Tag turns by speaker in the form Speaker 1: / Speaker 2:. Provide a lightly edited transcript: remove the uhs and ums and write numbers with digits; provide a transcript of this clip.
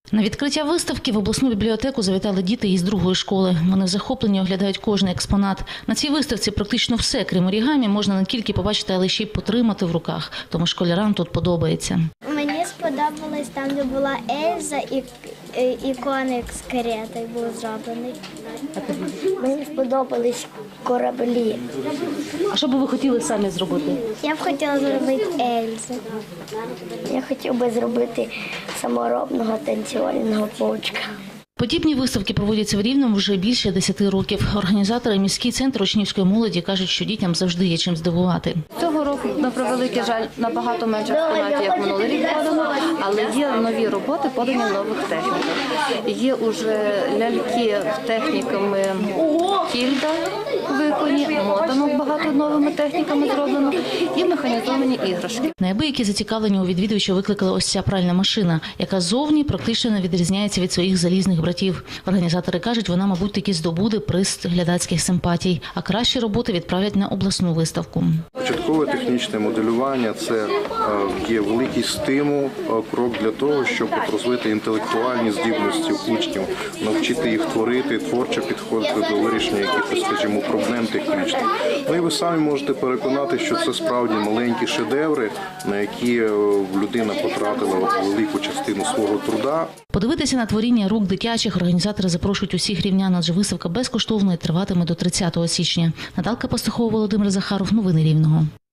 Speaker 1: На відкриття виставки в обласну бібліотеку завітали діти із другої школи. Вони в захопленні оглядають кожний експонат. На цій виставці практично все, крім орігамі, можна не тільки побачити, але ще й потримати в руках. Тому школярам тут подобається.
Speaker 2: Мені сподобалось там, де була Ельза і коник з каретою був зроблений. Мені сподобались кораблі.
Speaker 1: А що би ви хотіли самі зробити?
Speaker 2: Я б хотіла зробити Ельзу. Я хотів би зробити саморобного танцювального паучка.
Speaker 1: Подібні виставки проводяться в Рівному вже більше 10 років. Організатори міський центр учнівської молоді кажуть, що дітям завжди є чим здивувати.
Speaker 3: Цього року, на превеликий жаль, набагато менше експонатів, як минулий рік подано, але є нові роботи, подані в нових техніках. Є уже ляльки техніками кільда виконані, мотанок багато новими техніками зроблено і механізовані іграшки.
Speaker 1: Неабиякі зацікавлення у відвідувачів викликала ось ця пральна машина, яка зовні практично не відрізняється від своїх залізних братів. Організатори кажуть, вона, мабуть, таки здобуде приз глядацьких симпатій, а кращі роботи відправлять на обласну виставку.
Speaker 4: Початкове технічне моделювання – це є великий стимул, крок для того, щоб розвити інтелектуальні здібності учнів, навчити їх творити, творчо підходити до вирішення якихось, скажімо, проблем технічних. Ну і ви самі можете переконати, що це справді маленькі шедеври, на які людина потратила велику частину свого труда.
Speaker 1: Подивитися на творіння рук дитячих організатори запрошують усіх рівнян, адже виставка безкоштовна і триватиме до 30 січня. Наталка Пастухова, Володимир Захаров. Новини Рівного.